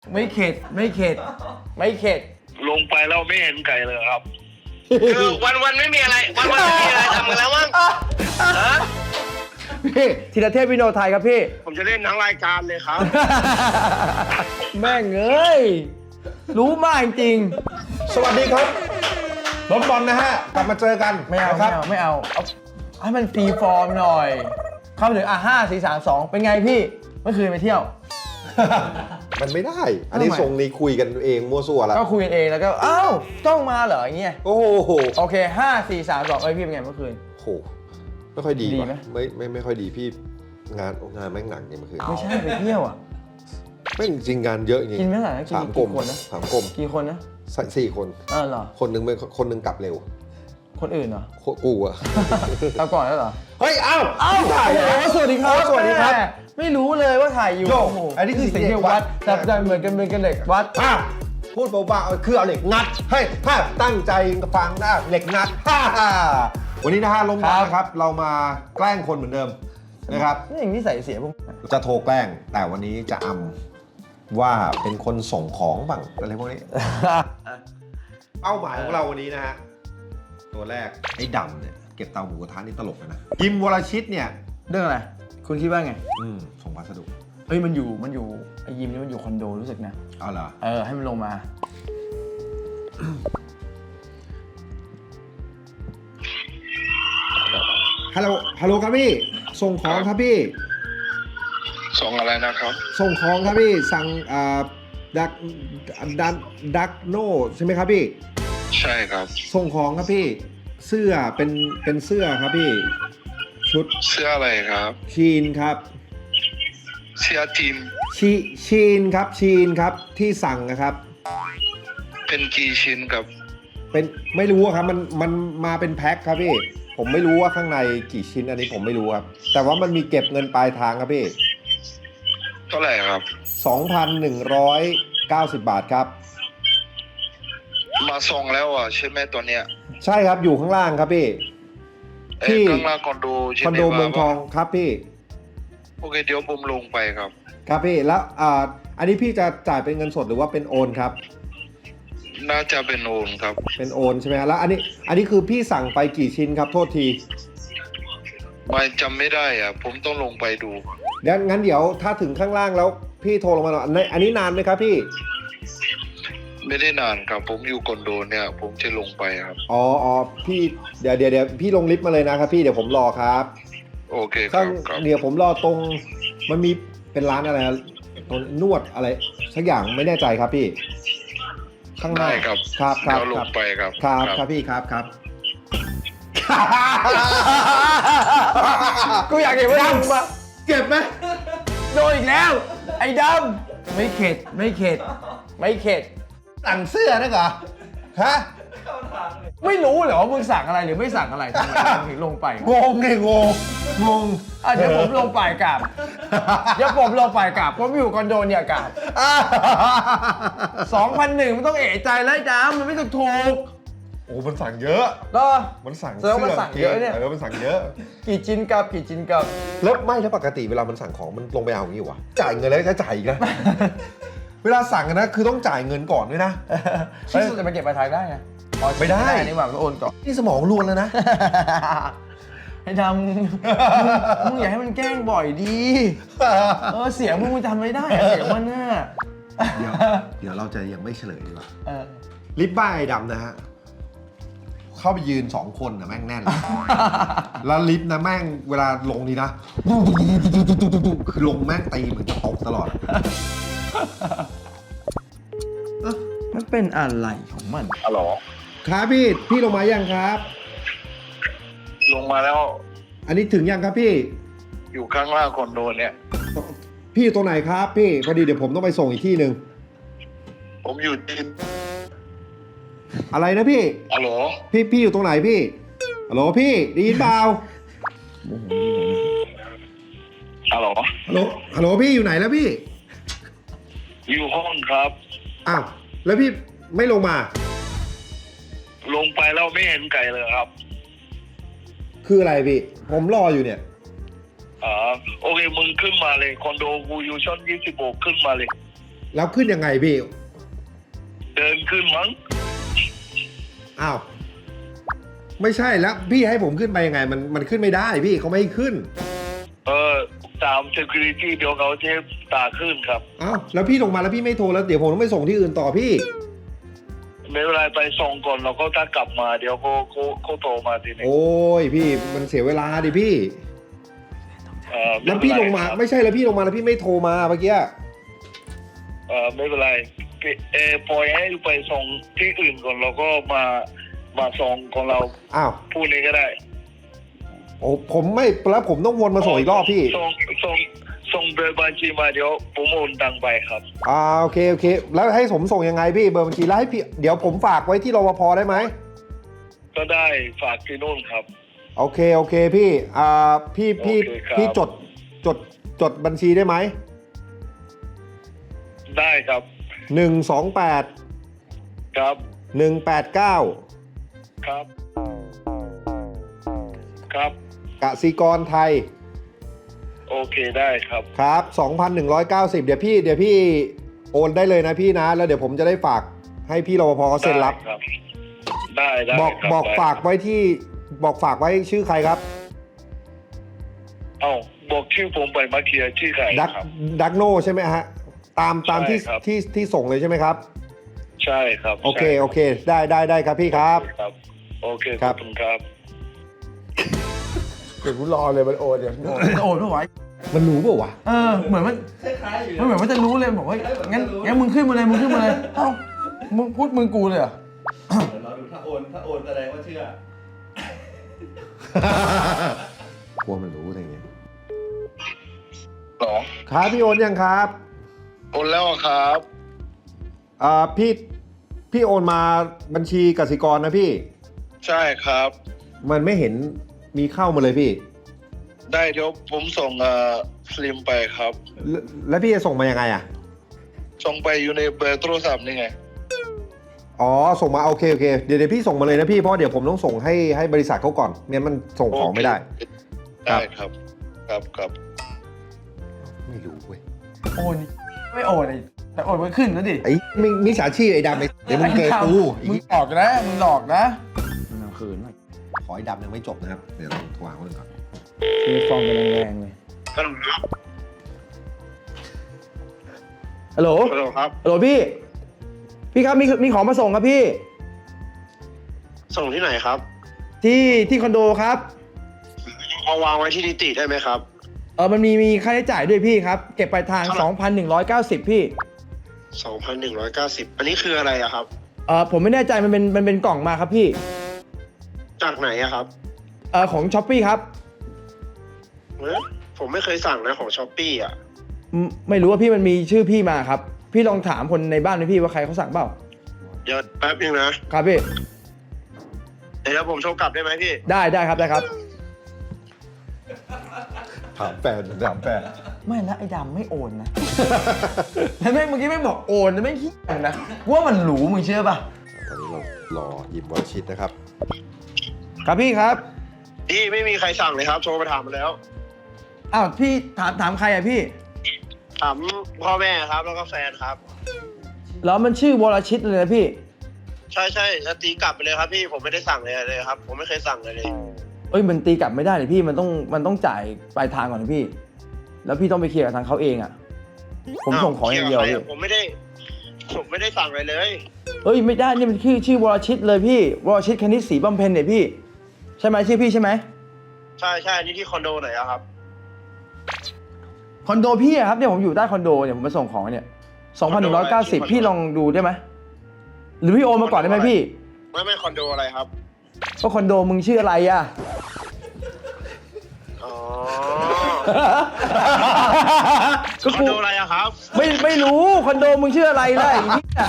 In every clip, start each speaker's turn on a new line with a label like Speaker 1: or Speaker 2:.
Speaker 1: ไม่เข็ดไม่เข็ดไม่เข็ด
Speaker 2: ลงไปแล้วไม่เห็นไก่เลยครับ
Speaker 3: คือวันไม่มีอะไรวันไม่มีอะไรทำกันแล้วมั้งฮะ
Speaker 1: พี่ธีรเทพวิโนไทยครับพี่
Speaker 3: ผมจะเล่นทั้งรายการเลยครับ
Speaker 1: แม่งเอ้ยรู้มากจริง
Speaker 4: สวัสดีครับรถบอลนะฮะกลับมาเจอกัน
Speaker 1: ไม่เอา
Speaker 4: ค
Speaker 1: ไม่
Speaker 4: รับ
Speaker 1: เอาไม่เอาให้มันฟรีฟอร์มหน่อยเข้ามาถึง5 4 3 2เป็นไงพี่เมื่อคืนไปเที่ยว
Speaker 4: มันไม่ได้ อันนี้
Speaker 1: ทำไม
Speaker 4: ทรงนี้คุยกันเองมั่วซั่วแล้ว
Speaker 1: ก็คุยกันเองแล้วก็อ้าวต้องมาเหรออย่างเงี้ย
Speaker 4: โอ้โห
Speaker 1: โอเค5 4 3 2เอ้ยพี่เป็นไงเมื่อคืน
Speaker 4: โหไม่ค่อยดี
Speaker 1: ดี
Speaker 4: ว่ะ
Speaker 1: ไหม
Speaker 4: ไม่ค่อยดีพี่งานแม่งหนักเนี่ยเมื่อคืน
Speaker 1: ไม่ใช่ไปเที่ยวอ่ะ
Speaker 4: แม่งจริงงานเยอะจริง
Speaker 1: กินไม่เท่าไหร่นะกิน
Speaker 4: สามกลม
Speaker 1: กี่คนนะ
Speaker 4: สามกลม
Speaker 1: กี่คนนะ
Speaker 4: สี่คน
Speaker 1: เหรอ
Speaker 4: คนหนึ่งกลับเร็ว
Speaker 1: คนอื่นเหรอ
Speaker 4: กูอะ
Speaker 1: เราก่อนแล้วเหรอ
Speaker 4: เฮ้ยเอ้า
Speaker 1: ถ่ายแล้วสวัสดีครับ
Speaker 4: สวัสดีครับ
Speaker 1: แม่ไม่รู้เลยว่าถ่ายอยู่
Speaker 4: โย่
Speaker 1: โอ้โห
Speaker 4: อันนี้คือ
Speaker 1: เสียงเด็กวัด
Speaker 4: เด็กวัด
Speaker 1: แต่เหมือนกันเด็กวัด
Speaker 4: พูดเบาๆคือเอาเหล็กงัดเฮ้ยถ้าตั้งใจฟังนะเหล็กงัดวันนี้นะฮะลงมานะครับเรามาแกล้งคนเหมือนเดิมนะครับ
Speaker 1: นี่อย่างนี้ใส่เสียพวก
Speaker 4: จะโทรแกล้งแต่วันนี้จะอำว่าเป็นคนส่งของบ้างอะไรพวกนี้ เป้าหมายของเราวันนี้นะฮะตัวแรกไอ้ดำเนี่ยเก็บเตาหมูกระทะนี่ตลกเลยนะกิมวรชิตเนี่ย
Speaker 1: เรื่องอะไร คุณคิดว่าไง
Speaker 4: ส่งพัสดุ
Speaker 1: เฮ้ยมันอยู่ไอ้ยิมนี่มันอยู่คอนโดรู้สึกนะ
Speaker 4: เอาเหรอ
Speaker 1: ให้มันลงมา
Speaker 4: ฮัลโหลครับพี่ส่งของครับพี่
Speaker 2: ส่งอะไรนะครับ
Speaker 4: ส่งของครับพี่สั่งดักโนใช่ไหมครับพี่
Speaker 2: ใช่ครับ
Speaker 4: ส่งของครับพี่เสื้อเป็นเสื้อครับพี่ชุด
Speaker 2: เสื้ออะไรครับ
Speaker 4: ชีนครับ
Speaker 2: เสื้อทีม
Speaker 4: ชีนครับที่สั่งนะครับ
Speaker 2: เป็นกี่ชิ้นครับ
Speaker 4: เป็นไม่รู้อะครับมันมาเป็นแพ็คครับพี่ผมไม่รู้ว่าข้างในกี่ชิ้นอันนี้ผมไม่รู้ครับแต่ว่ามันมีเก็บเงินปลายทางครับพี่
Speaker 2: เท่าไหร่ครับ
Speaker 4: 2,190 บาทครับ
Speaker 2: มาส่งแล้วอ่ะใช่ไหมตัวเนี้ย
Speaker 4: ใช่ครับอยู่ข้างล่างครับพี่ ที่
Speaker 2: ข้างล่างคอนโดใช่
Speaker 4: คอน
Speaker 2: ไหม
Speaker 4: โดเมืองทองครับพี่
Speaker 2: โอเคเดี๋ยวผมลงไปครับ
Speaker 4: ครับพี่แล้วอันนี้พี่จะจ่ายเป็นเงินสดหรือว่าเป็นโอนครับ
Speaker 2: น่าจะเป็นโอนครับ
Speaker 4: เป็นโอนใช่ไหมครับแล้วอันนี้คือพี่สั่งไปกี่ชิ้นครับโทษที
Speaker 2: ไม่จำไม่ได้อ่ะผมต้องลงไปดู
Speaker 4: งั้นเดี๋ยวถ้าถึงข้างล่างแล้วพี่โทรลงมาหน่อยอันนี้นานไหมครับพี่
Speaker 2: ไม่ได้นานครับ ผมอยู่คอนโดเนี่ย ผมจะลงไปครับ
Speaker 4: อ๋อพี่เดี๋ยวพี่ลงลิฟต์มาเลยนะครับพี่เดี๋ยวผมรอครับ
Speaker 2: โอเคค
Speaker 4: ข้า
Speaker 2: รั
Speaker 4: ง
Speaker 2: บครับ
Speaker 4: เดี๋ยวผมรอตรงมันมีเป็นร้านอะไรนะตรงนวดอะไรสักอย่างไม่แน่ใจครับพี่ ข้างหน้า
Speaker 2: ได้ครับ
Speaker 4: ครับ
Speaker 2: เดี๋ยวลงไปครับ
Speaker 4: ครับพี่ครับ
Speaker 1: กูอยากเห็นว่าดำปะ
Speaker 4: เก็บไหม
Speaker 1: โดนอีกแล้ว ไอ้ดำไม่เข็ดไม่เข็ดไม่เข็ด
Speaker 4: สั่งเสื้อนะเหรอฮะ
Speaker 1: ไม่รู้เหรอว่ามึงสั่งอะไรหรือไม่สั่งอะไรทำไมมึงถึงลงไป
Speaker 4: งงไงงง
Speaker 1: เดี๋ยวผมลงไปกลับเดี๋ยวผมลงไปกลับผมอยู่คอนโดเนี่ยกลับ2,100มันต้องเอะใจแล้วไอ้ดำมันไม่ถูก
Speaker 4: โอ้มันสั่งเยอะ
Speaker 1: ก็
Speaker 4: มันสั่ง
Speaker 1: แสดงว่ามันสั่งเยอะเนี่ย
Speaker 4: มันสั่งเยอะ
Speaker 1: กี่ชิ้นกับกี่ชิ้นกับ
Speaker 4: แล้วปกติเวลามันสั่งของมันลงไปเอาอย่างนี้วะจ่ายเงินแล้วจะจ่ายอีกนะ เวลาสั่งนะคือต้องจ่ายเงินก่อนด้วยนะ
Speaker 1: เฮ้ยจะมาเก็บปลายทางได้ไงอ๋อ
Speaker 4: ไม่ได้
Speaker 1: นี่หว่ามันโอนก่อน
Speaker 4: นี่สมองรวนแล้วนะ
Speaker 1: ให้ทำมึงอย่าให้มันแกล้งบ่อยดีเสียงมึงจำไม่ได้อะเสียงมันน่ะ
Speaker 4: เดี๋ยวเราจะยังไม่เฉลยดีกว่า
Speaker 1: เออ
Speaker 4: ลิปบ้าไอ้ดำนะฮะ เข้าไปยืน2 คนนะแม่งแน่น แล้วลิฟต์นะแม่งเวลาลงนี่นะ คือลงแม่งตีเหมือนจะตกตลอด
Speaker 1: มันเป็นอะไรของมัน
Speaker 2: ฮัลโหล
Speaker 4: ครับพี่ลงมายังครับ
Speaker 2: ลงมาแล้ว
Speaker 4: อันนี้ถึงยังครับพี่
Speaker 2: อยู่ข้างล่างคอนโดเนี่ย
Speaker 4: พี่อยู่ตรงไหนครับพี่พอดีเดี๋ยวผมต้องไปส่งอีกที่หนึ่ง
Speaker 2: ผมอยู่ที่
Speaker 4: อะไรนะพี่
Speaker 2: ฮัลโหล
Speaker 4: พี่อยู่ตรงไหนพี่ฮัลโหลพี่ได้ยินเปล่า
Speaker 2: ฮัลโหล
Speaker 4: ฮัลโหลพี่อยู่ไหนแล้วพี่
Speaker 2: อยู่ห้องครับ
Speaker 4: อ้าวแล้วพี่ไม่ลงมา
Speaker 2: ลงไปแล้วไม่เห็นไก่เลยครับ
Speaker 4: คืออะไรพี่ผมรออยู่เนี่ย
Speaker 2: โอเคมึงขึ้นมาเลยคอนโดกูอยู่ชั้น26ขึ้นมาเลย
Speaker 4: แล้วขึ้นยังไงพี่
Speaker 2: เดินขึ้นมั้ง
Speaker 4: อ้าว ไม่ใช่แล้วพี่ให้ผมขึ้นไปยังไง มันขึ้นไม่ได้พี่เขาไม่ให้ขึ้น
Speaker 2: ตาม security เดี๋ยวเขาจะตาขึ้นครับ
Speaker 4: อ้าวแล้วพี่ลงมาแล้วพี่ไม่โทรแล้วเดี๋ยวผมต้องไปส่งที่อื่นต่อพี่
Speaker 2: ไม่เป็นไรไปส่งก่อนแล้วก็ถ้ากลับมาเดี๋ยวเขาโทรมาทีนึง
Speaker 4: โอ้ยพี่มันเสียเวลาดิพี่ แล้วพี่ลงมาไม่ใช่แล้วพี่ลงมาแล้วพี่ไม่โทรมาเมื่อกี้
Speaker 2: ไม่เป็นไรปล่อยให้ไปส่งที่อื่นก่อนแล้วก็มาส่งของเรา
Speaker 4: อ้าว
Speaker 2: พูดนี้ก็ได้
Speaker 4: โอ้ผมไม่แล้วผมต้องวนมาส่งอีกรอบพี่
Speaker 2: ส่งเบอร์บัญชีมาเดี๋ยวผมโอนตังไปครับ
Speaker 4: โอเคแล้วให้ผมส่งยังไงพี่เบอร์บัญชีแล้วให้พี่เดี๋ยวผมฝากไว้ที่รปภได้ไหม
Speaker 2: ก็ได้ฝากที่นู่นครับ
Speaker 4: โอเคพี่พี่
Speaker 2: โอเคครับ
Speaker 4: พี่จดบัญชีได้ไหม
Speaker 2: ได้ครับ
Speaker 4: 128
Speaker 2: ครับ
Speaker 4: 189
Speaker 2: ครับ ครับ
Speaker 4: กสิกรไทย
Speaker 2: โอเคได้ครับ
Speaker 4: ครับ 2,190 เดี๋ยวพี่โอนได้เลยนะพี่นะ แล้วเดี๋ยวผมจะได้ฝากให้พี่รปภเขาเซ็นรับ
Speaker 2: ได้ครับ ได้
Speaker 4: บอก
Speaker 2: ครับ
Speaker 4: บอก
Speaker 2: ได้
Speaker 4: ฝากไว้ที่บอกฝากไว้ชื่อใครครับ
Speaker 2: เอ้าบอกชื่อผมไปเมื่อกี้ชื่อใคร
Speaker 4: ดักโนใช่ไหมฮะตามที่
Speaker 2: ใช่ครับ
Speaker 4: ที่ส่งเลยใช่ไหมครับ
Speaker 2: ใช่ครับ
Speaker 4: โอเค
Speaker 2: ใช่
Speaker 4: โอเคได้ครับพี่ครับ
Speaker 2: ครับโอเค
Speaker 4: ค
Speaker 2: ข
Speaker 4: รั
Speaker 2: อบ บคุณครับ
Speaker 1: เดี๋ยวกูรอเลยมันโอนเดี๋ยวโอนไม่ไหว
Speaker 4: มันรู้เปล่าวะ
Speaker 1: เหมือนมันเหมือนมันจะรู้เลยบอกว่างั้นมึงขึ้นมาเลยเอ้ามึงพูดมึงกูเลยเหรอ
Speaker 5: เราดูถ้าโอนแสดงว่าเชื่อก
Speaker 4: ลัวมันรู้อะไรเงี้ย
Speaker 2: หรอ
Speaker 4: ครับพี่โอนยังครับ
Speaker 2: โอนแล้วครับ
Speaker 4: พี่โอนมาบัญชีกสิกรนะพี่
Speaker 2: ใช่ครับ
Speaker 4: มันไม่เห็นมีเข้ามาเลยพี่
Speaker 2: ได้เดี๋ยวผมส่งสลิมไปครับ
Speaker 4: แล้วพี่จะส่งมายังไงอ่ะ
Speaker 2: ส่งไปอยู่ในเบอร์โทรศัพท์นี่ไง
Speaker 4: อ๋อส่งมาโอเคเดี๋ยวพี่ส่งมาเลยนะพี่เพราะเดี๋ยวผมต้องส่งให้บริษัทเขาก่อนเนี่ยมันส่งของไม่ได้
Speaker 2: ได้ครับ ครับ
Speaker 4: ไม่รู้เว้ย
Speaker 1: โอนไม่โอนไอ้แต่โอนมันขึ้นนะดิ
Speaker 4: ไอ้มิจฉาชีพไอ้ดำไอ้เดี๋ยวมึงเกยกู
Speaker 1: มึงหลอกนะมึงหลอกนะมันเอาคืนหน่อย
Speaker 4: ขอไอ้ดำยังไม่จบนะครับเดี๋ยวเราโทรหาคนอื่นก่อน
Speaker 1: มีฟองกันแรงๆเลยฮัลโหล
Speaker 2: ฮัลโหลครับ
Speaker 1: ฮัลโหลพี่ครับมีของมาส่งครับพี่
Speaker 3: ส่งที่ไหนครับ
Speaker 1: ที่คอนโดครับ
Speaker 3: เอาวางไว้ที่นิติได้ไหมครับ
Speaker 1: มันมีค่าใช้จ่ายด้วยพี่ครับ เก็บปลายทาง 2,190 พี่
Speaker 3: 2,190 อันนี้คืออะไรอะครับ
Speaker 1: ผมไม่แน่ใจมันเป็นกล่องมาครับพี่
Speaker 3: จากไหนอะครับ
Speaker 1: ของช้อปปี้ครับ
Speaker 3: ผมไม่เคยสั่งนะของช้อปปี้อะ
Speaker 1: ไม่รู้ว่าพี่มันมีชื่อพี่มาครับ พี่ลองถามคนในบ้านไหมพี่ว่าใครเขาสั่งเปล่า
Speaker 3: เดี๋ยวแป๊บนึงนะครับ
Speaker 1: พี่
Speaker 3: เดี๋ยวผมโทรกลับได้ไหมพี่
Speaker 1: ได้ครับ
Speaker 4: ถามแฟน
Speaker 1: ไม่นะไอ้ดำไม่โอนนะ แล้วแม่งเมื่อกี้ไม่บอกโอนนะไม่คิดนะว่ามันหรูมึงเชื่อป่ะ
Speaker 4: ตอนนี้เรารอหยิบวอลชิตนะครับ
Speaker 1: ครับพี่ครับ
Speaker 3: พี่ไม่มีใครสั่งเลยครับ โทรไปถามมาแล้ว
Speaker 1: อ้าวพี่ถามใครอะพี่
Speaker 3: ถามพ่อแม่ครับ แล้วก็แฟนครับ
Speaker 1: แล้วมันชื่อวรชิตเลยนะพี่
Speaker 3: ใช่แล้วตีกลับไปเลยครับพี่ ผมไม่ได้สั่งเลยครับ ผมไม่เคยสั่งเลย
Speaker 1: เอ้ยมันตีกลับไม่ได้เลยพี่มันต้องจ่ายปลายทางก่อนนะพี่ แล้วพี่ต้องไปเคลียร์กับทางเขาเองอ่ะ ผมส่งของอย่างเดียว
Speaker 3: เคลี
Speaker 1: พี่
Speaker 3: ร์กับใครอะผมไม่ได้สั่งอะไรเลย
Speaker 1: เอ้ยไม่ได้นี่มันชื่อวรชิตเลยพี่วรชิตคณิตศรีบำเพ็ญเนี่ยพี่ใช่ไหมชื่อพี่ใช่ไหม
Speaker 3: ใช่นี่ที่คอนโดไหนอะครับ
Speaker 1: คอนโดพี่อะครับเนี่ยผมอยู่ใต้คอนโดเนี่ยผมมาส่งของเนี่ย 2,190 พี่ลองดูได้ไหมหรือพี่โอนมาก่อนได้ไหมพี่
Speaker 3: ไม่คอนโดอะไรครับ
Speaker 1: ก็คอนโดมึงชื่ออะไรอะ
Speaker 3: อ๋อ
Speaker 1: ก็
Speaker 3: คอนโดอะไรอะครับ
Speaker 1: ไม่รู้คอนโดมึงชื่ออะไรล่ะไอ้เหี้ย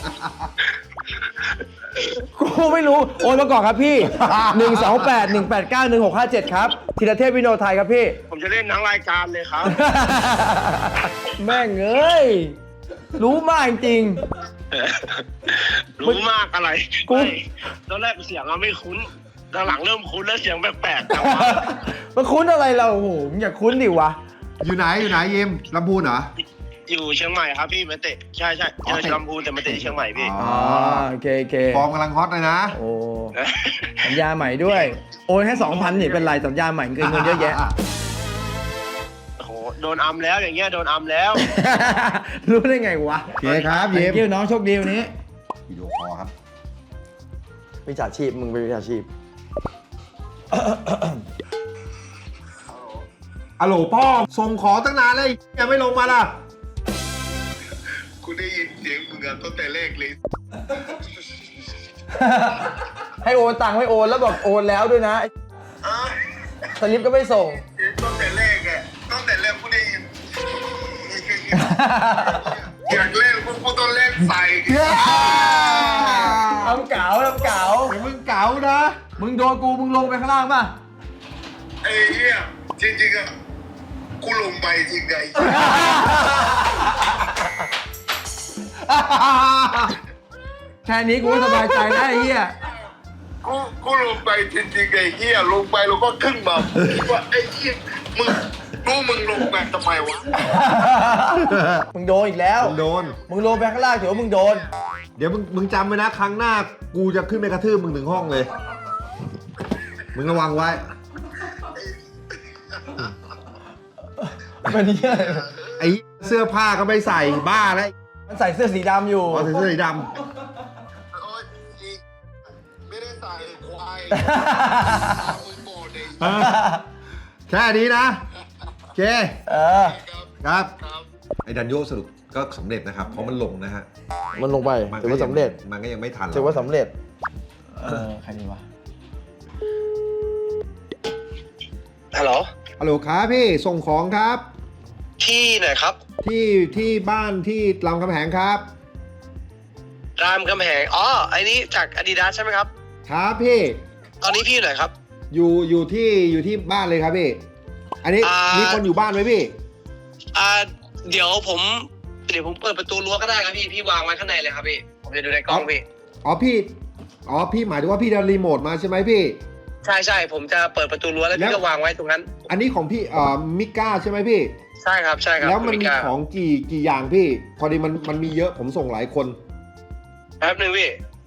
Speaker 1: กูไม่รู้โอนมาก่อนครับพี่ 128-189-1657 ครับธีรเทพวิโนไทยครับพี่
Speaker 3: ผมจะเล่นทั้งรายการเลยครับ
Speaker 1: แม่งเอ้ยรู้มากจริง
Speaker 3: รู้มากอะไร
Speaker 1: กู
Speaker 3: ไม่ตอนแรกเสียงไม่คุ้นตอนหลังเริ่มคุ้นแล้วเสียงแปลกๆจังวะ
Speaker 1: มันคุ้นอะไรเราโอ้โหมึงอย่าคุ้นดิวะ
Speaker 4: อยู่ไหนยิมลำพูนเหรอ
Speaker 3: อยู่เชียงใหม่ครับพี่มาเตะใช่เจอลำพูนแต่มาเตะที่เชียงใหม่พี่
Speaker 1: อ๋อโอเค
Speaker 4: ฟอร์มกำลังฮอตเลยนะ
Speaker 1: โอ้สัญญาใหม่ด้วย โอนแค่2,000นี่เป็นไรสัญญาใหม่เกินเงินเยอะแยะ
Speaker 3: โอ้โหโดนอัมแล้วอย่างเงี้ยโดนอัมแล้ว
Speaker 1: รู้ได้ไงวะ
Speaker 4: โอเคครับเย็บ
Speaker 1: เกี่ยวน้องโชคดีวันนี้
Speaker 4: วิดีโอคอลครับ
Speaker 1: วิชาชีพมึงเป็นวิชาชีพ
Speaker 4: อะโหลพ่อส่งของตั้งนานเลยยังไม่ลงมาล่ะ
Speaker 2: กูได้ยินเสียงมึงอะตั้งแต่แรกเลย
Speaker 1: ให้โอนตังค์ไม่โอนแล้วบอกโอนแล้วด้วยนะสลิปก็ไม่ส่ง
Speaker 2: ตั้งแต่แรกอะตั้งแต่แรกกูได้ยินอยากเล่นพวกกูต้องเล่นใส่
Speaker 1: ทำเก๋า
Speaker 4: เดี๋ยวมึงเก๋านะ
Speaker 1: มึงโดนกูมึงลงไปข้างล่างป่ะ
Speaker 2: ไอ้เหี้ยจริงๆอะกูลงไปจริงไง
Speaker 1: แค่นี้กูก็สบายใจแล้วไอ้เหี้ย
Speaker 2: กูลงไปจริงๆไอ้เหี้ยลงไปแล้วก็ขึ้นมาคิดว่าไอ้เหี้ยมึงลงไปทำไมวะ
Speaker 1: มึงโดนอีกแล้ว
Speaker 4: มึงโดน
Speaker 1: มึงลงไปข้างล่างถือว่ามึงโดน
Speaker 4: เดี๋ยวมึงจำไว้นะครั้งหน้ากูจะขึ้นไปกระทืบมึงถึงห้องเลย มึงระวังไว้
Speaker 1: มันเหี้ยอะไร
Speaker 4: ไอ้เสื้อผ้าก็ไม่ใส่บ้าแล้ว
Speaker 1: มันใส่เสื้อสีดำอยู่
Speaker 4: เอาใส่เสื้อสีด
Speaker 2: โอ๊ยไม่ได้ใส่ควายมึงโกรธเอง
Speaker 4: ำแค่นี้นะโอเค
Speaker 1: เออ
Speaker 4: ครับ
Speaker 2: ครับ
Speaker 4: ไอ้ดันโยสรุปก็สำเร็จนะครับ เพราะมันลงนะฮะ
Speaker 1: มันลงไปถือว่าสำเร็จ
Speaker 4: มันก็ยังไม่ทัน
Speaker 1: ถือว่าสำเร็จ ใครดีวะ
Speaker 3: ฮัลโหล
Speaker 4: ฮัลโหลครับพี่ส่งของครับ
Speaker 3: ที่ไหนครับ
Speaker 4: ที่บ้านที่รามคำแหงครับ
Speaker 3: รามคำแหงอ๋อไอ้นี้จาก Adidas ใช่ไหมครับ
Speaker 4: ครับพี่
Speaker 3: ตอนนี้พี่อยู่ไหนครับ
Speaker 4: อยู่ที่บ้านเลยครับพี่ อันนี้ มีคนอยู่บ้านไหมพี่
Speaker 3: เดี๋ยวผมเปิดประตูรั้วก็ได้ครับพี่วางไว้ข้างในเลยครับพี่ผมจะดูในกล้องพี่
Speaker 4: พี่หมายถึงว่าพี่ดันรีโมทมาใช่ไหมพี่
Speaker 3: ใช่ผมจะเปิดประตูรั้วแล้วพี่ก็วางไว้ตรงนั้น
Speaker 4: อันนี้ของพี่มิก้าใช่ไหมพี่
Speaker 3: ใช่ครับ
Speaker 4: แล้วมัน
Speaker 3: คุณ
Speaker 4: มี
Speaker 3: ก้า
Speaker 4: ของกี่อย่างพี่ พอดีมันมีเยอะผมส่งหลายคน
Speaker 3: แป๊บหนึ่งพี่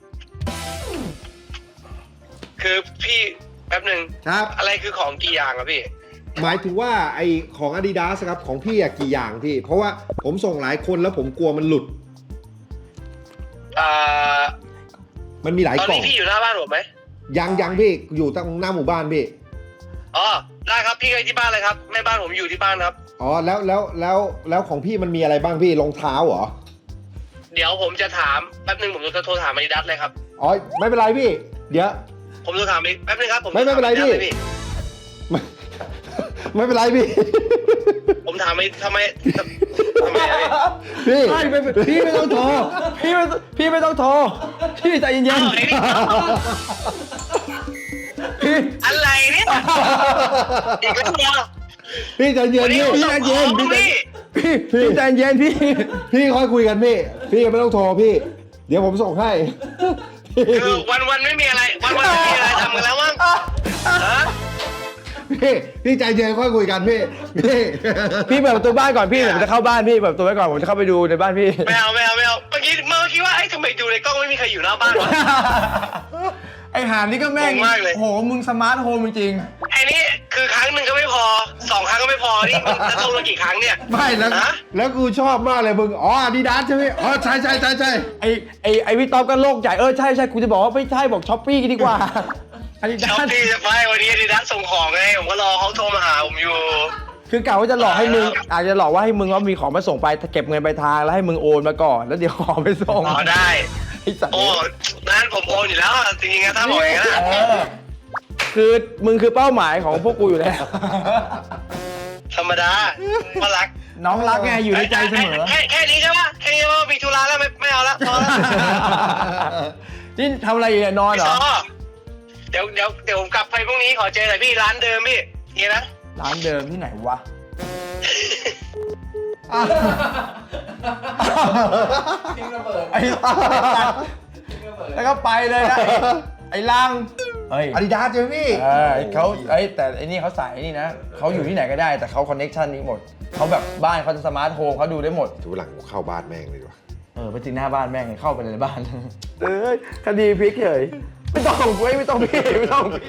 Speaker 3: คือพี่แป๊บหนึ่ง
Speaker 4: ครับ
Speaker 3: อะไรคือของกี่อย่างอะพี่
Speaker 4: หมายถึงว่าไอของ Adidas ครับของพี่อะกี่อย่างพี่ เพราะว่าผมส่งหลายคนแล้วผมกลัวมันหลุด มันมีหลาย
Speaker 3: ตอน
Speaker 4: กล่อ
Speaker 3: นี้
Speaker 4: ง
Speaker 3: พี่อยู่หน้าบ้านผมไหม
Speaker 4: ยังพี่อยู่ตรงหน้าหมู่บ้านพี่
Speaker 3: อ๋อได้ครับพี่ไปที่บ้านเลยครับแม่บ้านผมอยู่ที่บ้านครับ
Speaker 4: อ๋อแล้วของพี่มันมีอะไรบ้างพี่รองเท้าเหรอ
Speaker 3: เดี๋ยวผมจะถามแป๊บหนึ่งผมจะโทรถาม Adidas เลยครับ
Speaker 4: อ๋อไม่เป็นไรพี่ เดี๋ยว
Speaker 3: ผมจะถามแป๊บหนึงครับผม
Speaker 4: ไม่เป็นไรพี่
Speaker 3: ถา Adidas เลย
Speaker 4: ไม่เป็นไรพี่
Speaker 3: ผมถามทำไมอะพี่
Speaker 4: พี่
Speaker 1: ใช่พี่ไม่ต้องโทร พี่ไม่ต้องโทร พี่ใจเย็น
Speaker 3: อ้าวไอ้นี่
Speaker 1: ๆพี่
Speaker 3: อะไรเนี่ยอีกแล้วเหรอ
Speaker 4: พี่ใจเย็น
Speaker 3: วันนี้
Speaker 4: พี่
Speaker 3: ผม
Speaker 4: ใจ
Speaker 3: ส่งข
Speaker 4: เย็
Speaker 3: อน ง
Speaker 4: พี่
Speaker 3: พี่
Speaker 1: พี่ใจเย็นพี่
Speaker 4: พี่ค่อยคุยกันพี่ไม่ต้องโทรพี่ เดี๋ยวผมส่งให้
Speaker 3: คือวันไม่มีอะไรวันไม่มีอะไรทำกันแล้วมั้งฮะ
Speaker 4: พี่ใจเย็นค่อยคุยกันพี่
Speaker 1: พี่เปิดประตูบ้านก่อนพี่ผมจะเข้าบ้านพี่เปิดประตูไว้ก่อนผมจะเข้าไปดูในบ้านพี่
Speaker 3: ไม่เอาเมื่อกี้ว่าไอ้ทำไมดูในกล้องไม่มีใครอยู่หน้าบ้านวะ
Speaker 1: ไอหามนี่ก็แม่ง
Speaker 3: งงมากเลย
Speaker 1: โหมึงสมาร์ทโฮมจริง
Speaker 3: ไอ้นี่คือครั้งหนึ่งก็ไม่พอ2 ครั้งก็ไม่พอนี่มึงจะโทรมากี่ครั้งเนี่ย
Speaker 4: ไม่แล้ว
Speaker 3: ฮะ
Speaker 4: แล้วกูชอบมากเลยมึงอ๋อAdidasใช่ไหมอ๋อใช่
Speaker 1: ๆไอพี่ต๊อบก็โลกใหญ่ใช่กูจะบอกว่าไม่ใช่บอกช้อปปี้ดีกว่าอันนี้
Speaker 3: ช็อป
Speaker 1: ด้าน
Speaker 3: ปี้จะไปวันนี้Adidasส่งของไงผมก็รอเขาโทรมาหาผมอยู่
Speaker 1: คือกะว่าจะหลอกให้มึงอาจจะหลอกว่าให้มึงว่ามีของมาส่งไปเก็บเงินไปลายทางแล้วให้มึงโอนมาก่อนแล้วเดี๋ยวของไปส่ง
Speaker 3: อ๋อได้
Speaker 1: ไอสัตว์
Speaker 3: โอ้นั้นผมโอนอยู่แล้วอะจริงๆนะถ้าบอกอย่างนั้นอะ
Speaker 1: คือมึงคือเป้าหมายของพวกกูอยู่แล้ว
Speaker 3: ธรรมดาก็รัก
Speaker 1: น้องรักไงอยู่ในใจเสมอ
Speaker 3: แค่นี้ใช่ปะแค่นี้ว่ามีธุระแล้วไม่เอาละพอละ
Speaker 1: นี่ทำอะไรอยู่เนี่ยนอนเหรอ
Speaker 3: เดี๋ยวผมกลับไปพรุ่งนี้ขอเจอหน่อยพี่ร้านเดิมพี่นี่นะ
Speaker 1: ร้านเดิมที่ไหนวะไอ้แล้วก็ไปเลยนะไอ้ลังเอ้ย
Speaker 4: อาดิดาสใช่ไหมพี่
Speaker 1: เขาแต่ไอ้นี่เขาใส่ไอ้นี่นะเขาอยู่ที่ไหนก็ได้แต่เขาคอนเน็กชันนี้หมดเขาแบบบ้านเขาจะสมาร์ทโฮมเขาดูได้หมด
Speaker 4: ดูหลังกูเข้าบ้านแม่งเลยดีกว่า
Speaker 1: ไปจริงหน้าบ้านแม่งเข้าไปในบ้านคดีพลิกเลยไม่ต้องเว้ยไม่ต้องพี่ไม่ต้องพี่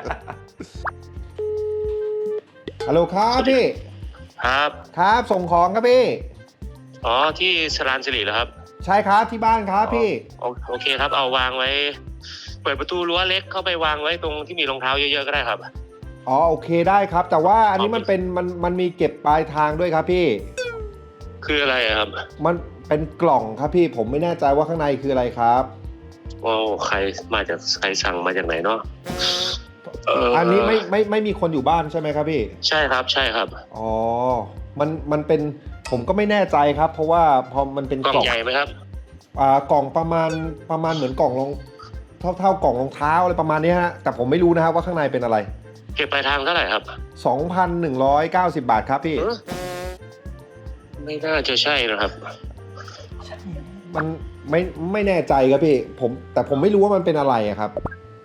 Speaker 4: ฮัลโหลครับพี่
Speaker 3: ครับ
Speaker 4: ครับส่งของครับพี่
Speaker 3: อ๋อที่สรานสิริเหรอครับ
Speaker 4: ใช่ครับที่บ้านครับพี่
Speaker 3: โอเคครับเอาวางไว้ เปิดประตูรั้วเล็กเข้าไปวางไว้ตรงที่มีรองเท้าเยอะๆก็ได้ครับ
Speaker 4: อ๋อโอเคได้ครับ แต่ว่าอันนี้มันมีเก็บปลายทางด้วยครับพี่
Speaker 3: คืออะไรอะครับ
Speaker 4: มันเป็นกล่องครับพี่ผมไม่แน่ใจว่าข้างในคืออะไรครับ
Speaker 3: โอ้ใครสั่งมาจากไหนเนาะ
Speaker 4: อันนี้ไม่มีคนอยู่บ้านใช่ไหมครับพี่
Speaker 3: ใช่ครับใช่ครับ
Speaker 4: อ๋อมันเป็นผมก็ไม่แน่ใจครับ เพราะว่าพอมันเป็น
Speaker 3: กล่องใหญ่ไหมครับ
Speaker 4: กล่องประมาณเหมือนกล่องรองเท่ากล่องรองเท้าอะไรประมาณนี้ฮะแต่ผมไม่รู้นะครับว่าข้างในเป็นอะไร
Speaker 3: เก็บปลายทางเท่าไหร่ครับ
Speaker 4: 2,190 บาทครับพี่
Speaker 3: ไม่น่าจะใช่นะครับ
Speaker 4: มันไม่แน่ใจครับพี่แต่ผมไม่รู้ว่ามันเป็นอะไรอะครับ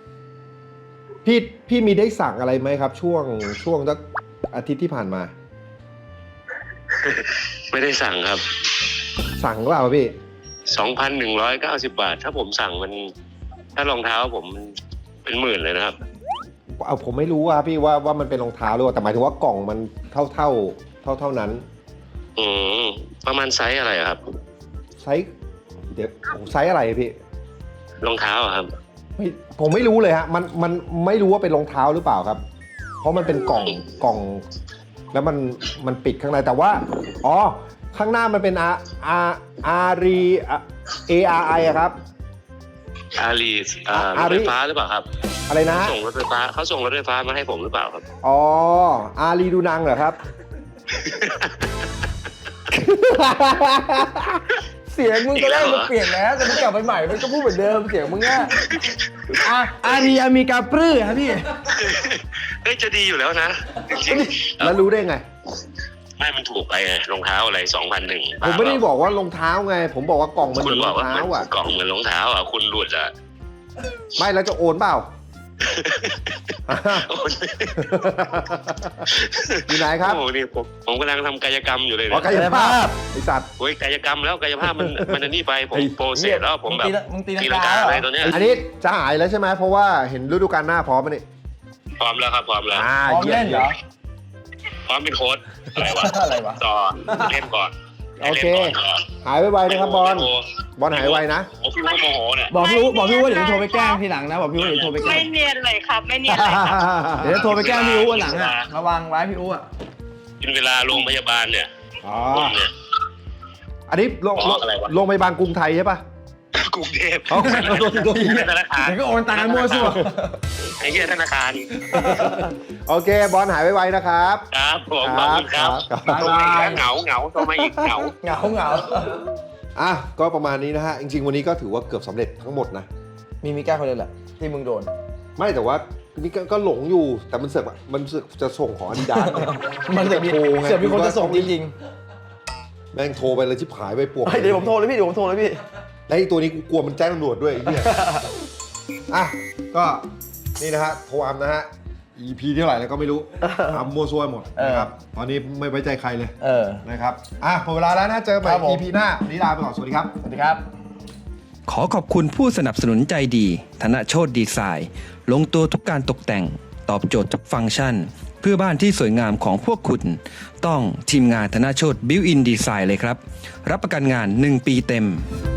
Speaker 4: พี่มีได้สั่งอะไรไหมครับ ช่วงสักอาทิตย์ที่ผ่านมา
Speaker 3: ไม่ได้สั่งครับ
Speaker 4: สั่งหรือเปล่าพี่
Speaker 3: 2,190 บาท ถ้าผมสั่งมันถ้ารองเท้าผมเป็นหมื่นเลยนะครับ
Speaker 4: ผมไม่รู้อะพี่ว่ามันเป็นรองเท้าหรือเปล่าแต่หมายถึงว่ากล่องมันเท่านั้น
Speaker 3: ประมาณไซส์อะไรอะครับ
Speaker 4: ไซส์เดี๋ยวไซส์อะไรพี่
Speaker 3: รองเท้าอะครับ
Speaker 4: ผมไม่รู้เลยฮะมันไม่รู้ว่าเป็นรองเท้าหรือเปล่าครับ เพราะมันเป็นกล่องแล้วมันปิดข้างในแต่ว่าอ๋อข้างหน้ามันเป็นARI อะครับ
Speaker 3: อารีรถไฟฟ้าหรือเปล่าครับ
Speaker 4: อะไรนะ
Speaker 3: ส่งรถไฟฟ้าเขาส่งรถไฟฟ้ามาให้ผมหรือเปล่าครับ
Speaker 4: อ๋ออารีดูนังเหรอครับ
Speaker 1: เสียงมึงก็ได้มันเปลี่ยนแล้วแต่มึงกลับไปใหม่มันก็พูดเหมือนเดิมเสียงมึงอ่ะอารีอเมริกาปลื้อครับพี่
Speaker 3: เฮ้ยจะดีอยู่แล้วนะจริง
Speaker 4: แล้วรู้ได้ไง
Speaker 3: ๆไม่มันถูกไปไงรองเท้าอะไร2,100
Speaker 4: ผมไม่ได้บอกว่ารองเท้าไง ผมบอกว่ากล่องมันเห
Speaker 3: คุ
Speaker 4: มื
Speaker 3: ณ
Speaker 4: อน
Speaker 3: บ
Speaker 4: ร
Speaker 3: อ
Speaker 4: อก ง
Speaker 3: ว่า
Speaker 4: เท้าอ่ะ
Speaker 3: กล่องเหมือนรองเท้าอ่ะคุณหลุดอ่ะ
Speaker 4: ไม่แล้วจะโอนเปล่า อยู่ไหนครับ
Speaker 3: โอ้โหนี่ผมกำลังทำกายกรรมอยู่เลย
Speaker 4: อ๋อ
Speaker 3: นะ
Speaker 4: กายภาพไอสัตว์
Speaker 3: โอ้ยกายกรรมแล้วกายภาพมันอันนี้ไปผมโปรเซสแล้วผมแบบ
Speaker 1: มึงตี
Speaker 3: ตี
Speaker 1: ลั
Speaker 3: ลั
Speaker 1: ง
Speaker 3: ง
Speaker 1: กาก
Speaker 3: า
Speaker 1: เหรอ
Speaker 3: อะไรตัวเนี้ย
Speaker 4: อันนี้จะหายแล้วใช่ไหมเพราะว่าเห็นฤดูกาลหน้าพร้อมมั้ยนี่
Speaker 3: พร้อมแล้วครับพร้อมแล้ว
Speaker 1: พร้อมเล่นเหรอ
Speaker 3: พร้อมเป็นโค้ชอะไรวะ
Speaker 1: อะไรวะ
Speaker 3: ต่อเล่นก่อน
Speaker 4: โอเค หายไวๆนะครับบอลหายไวนะ
Speaker 3: โอ้พี่ว่าโมโหเนี่ย
Speaker 1: บอกพี่ว่าเดี๋ยวจะโทรไปแกล้งทีหลังนะบอกพี่ว่าเดี๋ยวโทรไปแกล้
Speaker 6: ไม่
Speaker 1: ง
Speaker 6: เนียนเลยครับ ไม่เนียนเลยครับ
Speaker 1: เดี๋ยวจะโทรไปแกล้งพี่อู้วันหลังอ่ะระวังไว้พี่อู้อ่ะ
Speaker 3: กินเวลาโรงพยาบาลเนี่ย
Speaker 4: อ๋อ
Speaker 3: ผมเนี่ย
Speaker 4: อันนี้
Speaker 3: อะไรวะ
Speaker 4: โรงพยาบาลกรุงไทยใช่ปะ
Speaker 3: กรุงเทพ
Speaker 4: เอาโดน
Speaker 3: ธนาคาร
Speaker 1: เดี๋ยวก็โอนตังค์กันมั่วซั่ว
Speaker 3: ไอ้เหี้ยธนาคาร
Speaker 4: โอเคบอลหายไวๆนะครับ
Speaker 3: ครับผมขอบคุณครับ
Speaker 4: ครับ
Speaker 3: โทรมาอีกแล้วเหงาโทรมาอีกเหงา
Speaker 1: เหงา
Speaker 4: อ่ะก็ประมาณนี้นะฮะ จริงๆวันนี้ก็ถือว่าเกือบสำเร็จทั้งหมดนะ
Speaker 1: มีแก้คนเดียวแหละที่มึงโดน
Speaker 4: ไม่แต่ว่านี่ก็หลงอยู่แต่มันเสือกจะส่งของอาดิดาส
Speaker 1: มันเสือกมี
Speaker 4: โทรไง
Speaker 1: เสือกมีคนจะส่งจริง
Speaker 4: แม่งโทรไปเลยชิบหายไปปวก
Speaker 1: ๆเดี๋ยวผมโทรเลยพี่
Speaker 4: แล้วไอ้ตัวนี้กูกลัวมันแจ้งตำรวจด้วยไอ้เหี้ย อ่ะก็นี่นะฮะโทรอัมนะฮะ EP เท่าไหร่แล้วก็ไม่รู้อัมมั่วซั่วหมดนะครับตอนนี้ไม่ไว้ใจใครเลย นะครับอ่ะหมดเวลาแล้วนะเจอใหม่
Speaker 1: ครับผม
Speaker 4: EP หน้าวันนี้ลาไปก่อนสวัสดีครับ
Speaker 1: สวัสดีครับ
Speaker 7: ขอขอบคุณผู้สนับสนุนใจดีธนโชติดีไซน์ลงตัวทุกการตกแต่งตอบโจทย์ทุกฟังก์ชัน เพื่อบ้านที่สวยงามของพวกคุณ ต้องทีมงานธนโชติบิวอินดีไซน์เลยครับ รับประกันงาน 1 ปีเต็ม